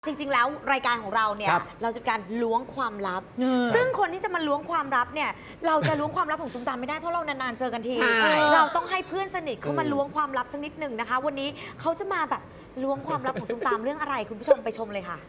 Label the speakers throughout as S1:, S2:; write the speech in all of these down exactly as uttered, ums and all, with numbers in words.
S1: จริงๆแล้วรายการของเราเนี่ยเราจะการล้วงความลับซึ่งคนที่จะมาล้วงความลับเนี่ยเราจะล้วงความลับของตุ้มตามไม่ได้เพราะเรานานๆเจอกันทีเราต้องให้เพื่อนสนิทเขามาล้วงความลับสักนิดหนึ่งนะคะวันนี้เขาจะมาแบบล้วงความลับของตุ้มตามเรื่องอะไรคุณผู้ชมไปชมเลยค่ะ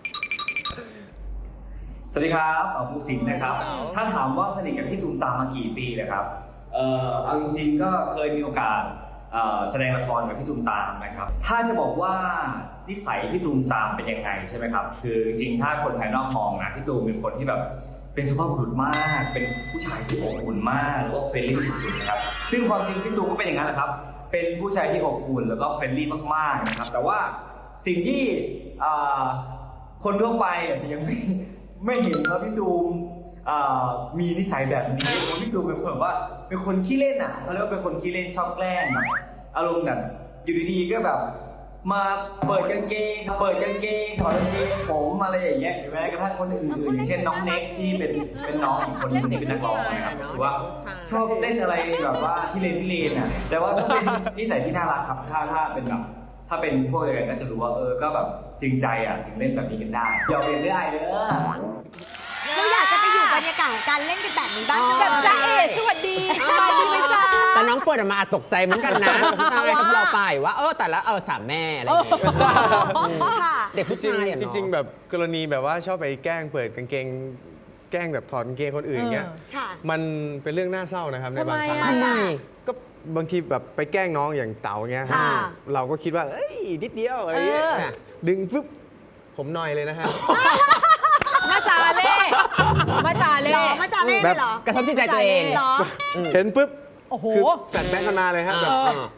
S2: สวัสดีครับอ๋อภูสิงห์นะครับถ้าถามว่าสนิทกับพี่ตุ้มตามมากี่ปีเลยครับเอ่อเอาจริงๆก็เคยมีโอกาสแสดงละครกับพี่ตุ้มตามนะครับถ้าจะบอกว่านิสัยพี่ตุ้มตามเป็นยังไงใช่ไหมครับคือจริงๆถ้าคนภายนอกมองนะพี่ตุ้มเป็นคนที่แบบเป็นสุภาพบุรุษมากเป็นผู้ชายที่อบอุ่นมากแล้วก็เฟรนลี่สุดๆนะครับซึ่งความจริงพี่ตุ้มก็เป็นอย่างนั้นแหละครับเป็นผู้ชายที่อบอุ่นแล้วก็เฟรนลี่มากๆนะครับแต่ว่าสิ่งที่คนทั่วไปอาจจะยังไม่ไม่เห็นว่าพี่ตูมมีนิสัยแบบนี้เพราะพี่ตูมเป็นคนแบบว่าเป็นคนขี้เล่นอ่ะเขาเรียกว่าเป็นคนขี้เล่นชอบแกล้งแบบอารมณ์แบบอยู่ดีๆก็แบบมาเปิดกางเกงเปิดกางเกงถอดกางเกงผมอะไรอย่างเงี้ยหรือแม้กระทั่งคนอื่นๆเช่นน้องเน็กที่เป็นเป็นน้องอีกคนนึงที่เป็นนักร้องนะครับหรือว่าชอบเล่นอะไรแบบว่าที่เล่นที่เล่นอ่ะแต่ว่าก็เป็นนิสัยที่น่ารักครับถ้าถ้าเป็นแบบถ้าเป็นพวกเดียวกันก็จะรู้ว่าเออก็แบบจริงใจอ่ะถึงเล่นแบบนี้กันได้อย่าเรียนได้เด้อ
S1: เราอยากจะไปอยู่บรรยากาศของการเล่นกันแบบนี้บ้างจะ
S3: แบบจ้าเอ๋สวัสดีสบายดีไหมจ๊ะ
S4: แต่น้องเปิดออกมาตกใจเหมือนกันนะใช่กับเราไปว่าเออแต่ละเออสามแม่อะไรอย่างเงี้ยเด็กผู้ชาย
S5: จริงๆแบบกรณีแบบว่าชอบไปแกล้งเปิดกางเกงแกล้งแบบถอดกางเกงคนอื่นเงี้ยมันเป็นเรื่องน่าเศร้านะครับในบางครั้ง
S4: ทำไม
S5: ก็บางทีแบบไปแกล้งน้องอย่างเต๋าเงี้ยเราก็คิดว่าเอ้ยนิดเดียวอะไรเงี้ยดึงปุ๊บผมหน่อยเลยนะฮะ
S3: มาจาเล่มาจาเล่
S1: มาจาเล่เหรอก
S4: ระทบจิตใจตัวเอง
S1: เหรอ
S5: เห็นปุ๊บ
S3: โอ้โห
S5: แฟลชแบ็กกันมาเลยฮะแบบ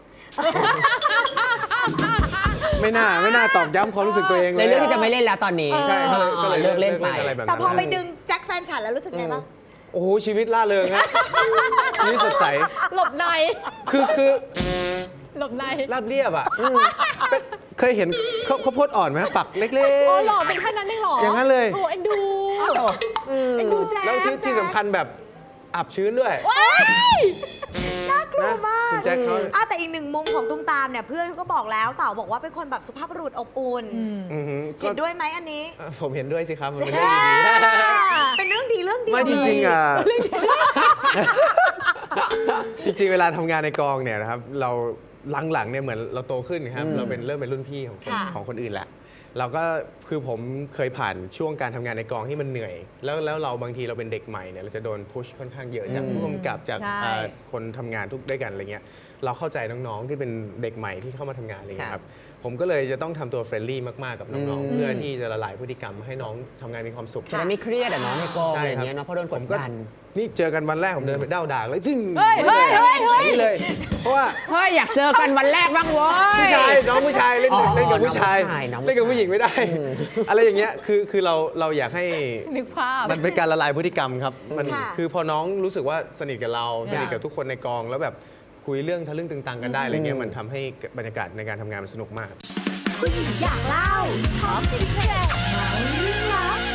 S5: ไม่น่าไม่น่าตอกย้ำความรู้สึกตัวเองเลย
S4: ในเรื่องที่จะไม่เล่นแล้วตอนนี้
S5: ใช่ก็เลย
S4: เลิกเล่นไป
S1: แต่พอไปดึงแจ็คแฟนฉันแล้วรู้สึกไงบ้าง
S5: โอ้โหชีวิตล่าเริงฮะชีวิตสดใส
S3: หลบใน
S5: คือคือ
S3: หลบใน
S5: ราบเรียบอ่ะเคยเห็นเขาเขาโพดอ่อนไหมฝักเล็กๆ
S3: อ๋อหล่อเป็นแค่นั้นได้หรอ
S5: อย่างนั้นเลย
S3: โอ้เอ็นดูเอ็นดูแจ๊
S5: แล้วที่ที่สำคัญแบบอับชื้นด้วย
S1: น่ากลัวมากแต่อีกหนึ่งมุมของตุ้มตามเนี่ยเพื่อนเขาก็บอกแล้วเต่าบอกว่าเป็นคนแบบสุภาพบุรุษอบอุ่นเห็นด้วยไหมอันนี้
S5: ผมเห็นด้วยสิครับมันเป็นเรื่องดี
S1: เป็นเรื่องดีเรื่องดี
S5: ไม่จริงๆอ่ะจริงๆเวลาทำงานในกองเนี่ยนะครับเราหลังๆเนี่ยเหมือนเราโตขึ้นครับเราเป็นเริ่มเป็นรุ่นพี่ของของคนอื่นแหละเราก็คือผมเคยผ่านช่วงการทำงานในกองที่มันเหนื่อยแล้วแล้วเราบางทีเราเป็นเด็กใหม่เนี่ยเราจะโดนพุชค่อนข้างเยอะจากผู้กำกับจากคนทำงานทุกด้วยกันอะไรเงี้ยเราเข้าใจน้องๆที่เป็นเด็กใหม่ที่เข้ามาทำงานอะไรเงี้ยครับผมก็เลยจะต้องทำตัวเฟรนลี่มากๆกับน้องๆเพื่อที่จะละลายพฤติกรรมให้น้องทำงานมีความสุข
S4: จะได้ไม่เครียดอ่ะน้องในกองอะไรเงี้ยเนาะเพราะโดนกดดัน
S5: นี่เจอกันวันแรกผมเดินไปเด้าด่างเลยจึ้ง
S3: เฮ้ยเฮ้ยเฮ้ย
S5: นี่เลยเพราะว่า
S4: เฮ้ยอยากเจอกันวันแรกบ้างเว้ย
S5: ผู้ชายน้องผู้ชายเล่นเล่นกับผู้ชายเล่นกับผู้หญิงไม่ได้อะไรอย่างเงี้ยคือคือเราเราอยากให้
S3: นึกภาพ
S5: มันเป็นการละลายพฤติกรรมครับมันคือพอน้องรู้สึกว่าสนิทกับเราสนิทกับทุกคนในกองแล้วแบบคุยเรื่องทะลึ่งตึงตังกันได้อะไรเงี้ยมันทำให้บรรยากาศในการทำงานมันสนุกมาก
S1: ผู้หญิงอยากเล่าท็อปสิบเพจเรื่องลับ